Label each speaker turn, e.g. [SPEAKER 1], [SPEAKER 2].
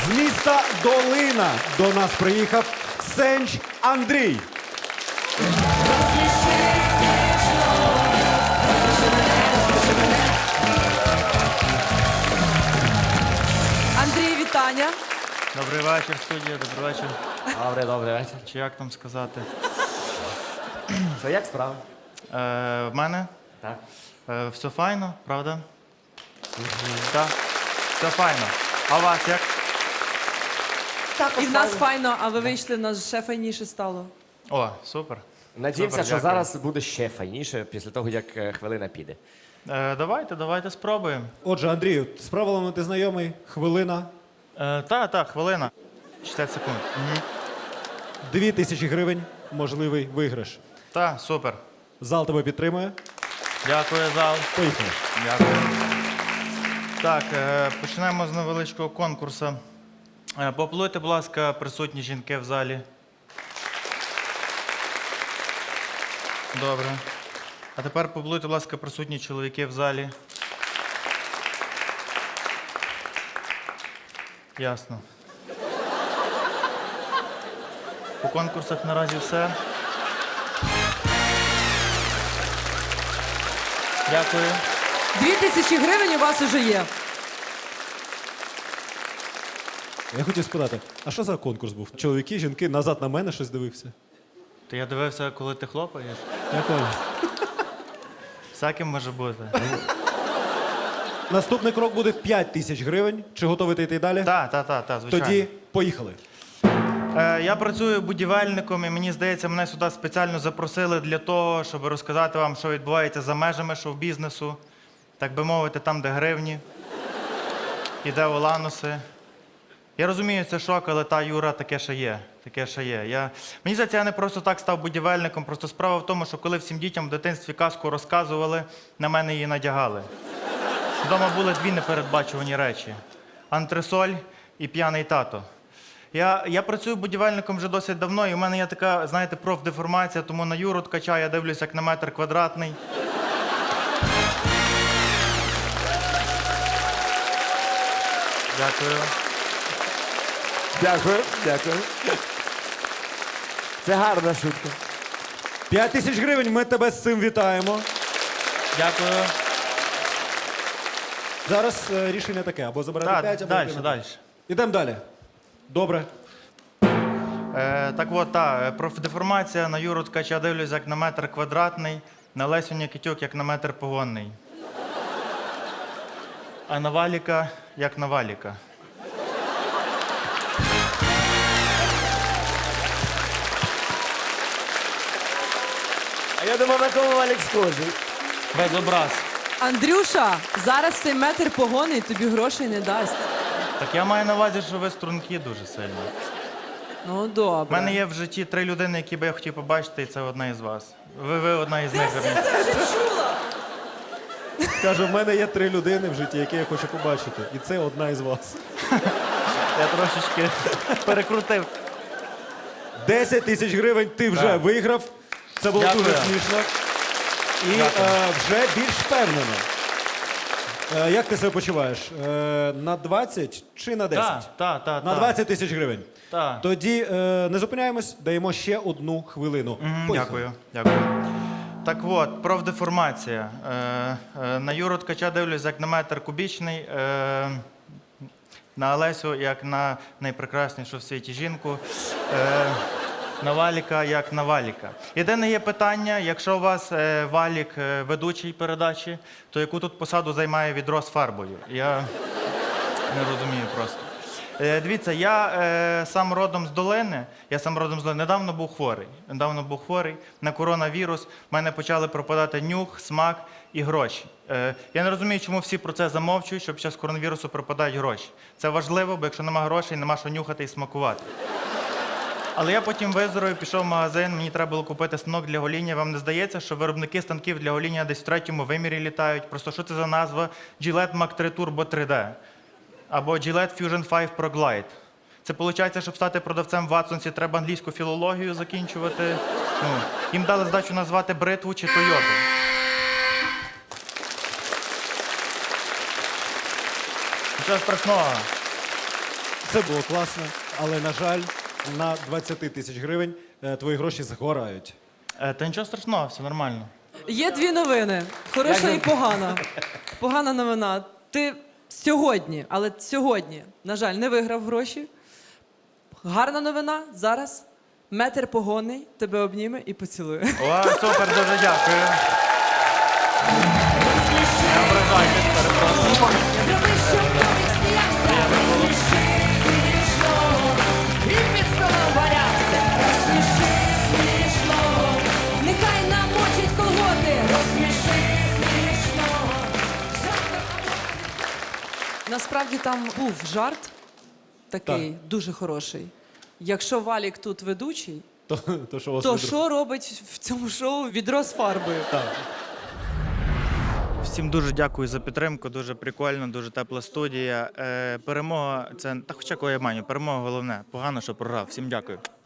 [SPEAKER 1] З міста Долина до нас приїхав Сенч Андрій.
[SPEAKER 2] Андрій, вітання.
[SPEAKER 3] Добрий вечір, студія, добрий вечір.
[SPEAKER 4] Добрий вечір.
[SPEAKER 3] Чи як там сказати?
[SPEAKER 4] Що, як справа?
[SPEAKER 3] В мене
[SPEAKER 4] Так.
[SPEAKER 3] все файно, правда? Так, все файно. А у вас як?
[SPEAKER 2] І в нас файно, а ви вийшли, в нас ще файніше стало.
[SPEAKER 3] О, супер.
[SPEAKER 4] Надіємося,
[SPEAKER 3] Супер,
[SPEAKER 4] що
[SPEAKER 3] дякую.
[SPEAKER 4] зараз буде ще файніше після того, як хвилина піде.
[SPEAKER 3] Давайте спробуємо.
[SPEAKER 1] Отже, Андрію, з правилами ти знайомий. Хвилина.
[SPEAKER 3] Так, хвилина. 60 секунд.
[SPEAKER 1] 2000 гривень. Можливий виграш.
[SPEAKER 3] Так, супер.
[SPEAKER 1] Зал тебе підтримує.
[SPEAKER 3] Дякую, зал.
[SPEAKER 1] Поїхали.
[SPEAKER 3] Дякую. Так, почнемо з невеличкого конкурсу. Поаплодуйте, будь ласка, присутні жінки в залі. Добре. А тепер поаплодуйте, будь ласка, присутні чоловіки в залі. Ясно. По конкурсах наразі все. Дякую.
[SPEAKER 2] 2000 гривень у вас уже є.
[SPEAKER 1] Я хотів спитати, а що за конкурс був? Чоловіки, жінки, назад на мене щось дивився.
[SPEAKER 3] То я дивився, коли ти хлопаєш.
[SPEAKER 1] Я понял.
[SPEAKER 3] Всяким може бути.
[SPEAKER 1] Наступний крок буде в 5000 гривень. Чи готовий ти йти далі?
[SPEAKER 3] Так, звичайно.
[SPEAKER 1] Тоді поїхали.
[SPEAKER 3] Я працюю будівельником, і мені здається, мене сюди спеціально запросили для того, щоб розказати вам, що відбувається за межами шоу-бізнесу. Так би мовити, там, де гривні, і де олануси. Я розумію, це шок, але та Юра, таке ще є. Мені здається, я не просто так став будівельником, просто справа в тому, що коли всім дітям в дитинстві казку розказували, на мене її надягали. Вдома були дві непередбачувані речі: антресоль і п'яний тато. Я працюю будівельником вже досить давно, і в мене є така, знаєте, профдеформація, тому на Юру Ткача я дивлюсь як на метр квадратний. Дякую.
[SPEAKER 4] Дякую. Це гарна шутка.
[SPEAKER 1] 5000 гривень, ми тебе з цим вітаємо.
[SPEAKER 3] Дякую.
[SPEAKER 1] Зараз рішення таке, або забирати 5, або
[SPEAKER 3] Далі.
[SPEAKER 1] Ідемо далі. Добре.
[SPEAKER 3] Так от, профдеформація на Юру Ткача дивлюсь як на метр квадратний, на Лесю Нікітюк як на метр погонний. А на Валіка як на Валіка.
[SPEAKER 4] А я думав, на кого Валік схожий.
[SPEAKER 3] Без образ.
[SPEAKER 2] Андрюша, зараз цей метр погони тобі грошей не дасть.
[SPEAKER 3] Так я маю на увазі, що ви струнки дуже сильно.
[SPEAKER 2] Ну,
[SPEAKER 3] У
[SPEAKER 2] добре.
[SPEAKER 3] мене є в житті 3 людини, які би я хотів побачити, і це одна із вас. Ви одна із них.
[SPEAKER 1] Каже, в мене є 3 людини в житті, які я хочу побачити. І це одна із вас.
[SPEAKER 3] Я трошечки перекрутив.
[SPEAKER 1] 10 тисяч гривень ти вже
[SPEAKER 3] Так.
[SPEAKER 1] виграв. Це було
[SPEAKER 3] Дякую.
[SPEAKER 1] дуже смішно. І
[SPEAKER 3] Дякую.
[SPEAKER 1] вже більш впевнено. Як ти себе почуваєш? На 20 чи на 10?
[SPEAKER 3] Так.
[SPEAKER 1] На 20 тисяч гривень.
[SPEAKER 3] Так.
[SPEAKER 1] Тоді не зупиняємось, даємо ще 1 хвилину. Поїхали.
[SPEAKER 3] Дякую. Так от, профдеформація. На Юру Ткача дивлюсь як на метр кубічний, на Олесю як на найпрекраснішу в світі жінку, на Валіка як на Валіка. Єдине є питання, якщо у вас Валік ведучий передачі, то яку тут посаду займає відро з фарбою? Я не розумію просто. Дивіться, я сам родом з Долини, недавно був хворий на коронавірус, в мене почали пропадати нюх, смак і гроші. Я не розумію, чому всі про це замовчують, що під час коронавірусу пропадають гроші. Це важливо, бо якщо нема грошей, нема що нюхати і смакувати. Але я потім виздоровів, пішов в магазин, мені треба було купити станок для гоління. Вам не здається, що виробники станків для гоління десь в 3-му вимірі літають? Просто що це за назва? Gillette Mac 3 Turbo 3D. Або Gillette Fusion 5 Pro Glide. Це виходить, щоб стати продавцем в Ватсонсі, треба англійську філологію закінчувати. Їм дали здачу назвати бритву чи Тойоту. Нічого страшного.
[SPEAKER 1] Це було класно, але, на жаль, на 20 тисяч гривень твої гроші згорають.
[SPEAKER 3] Та нічого страшного, все нормально.
[SPEAKER 2] Є дві новини. Хороша і погана. Погана новина. Ти сьогодні, але сьогодні, на жаль, не виграв гроші. Гарна новина. Зараз метр погонний тебе обніме і поцілує.
[SPEAKER 3] О, супер, дуже дякую. Не ображайтесь, перепрошую.
[SPEAKER 5] Зроби, щоб Томік сміявся, розсміши смішного, і під столом валявся, розсміши смішного, нехай намочить колготи, розсміши смішного.
[SPEAKER 2] Насправді там був жарт такий дуже хороший. Якщо Валік тут ведучий,
[SPEAKER 1] То що у вас
[SPEAKER 2] то
[SPEAKER 1] відро?
[SPEAKER 2] що робить в цьому шоу відро з фарбою?
[SPEAKER 3] Всім дуже дякую за підтримку, дуже прикольно, дуже тепла студія. Перемога це, та хоча кого я маню, перемога головне. Погано, що програв. Всім дякую.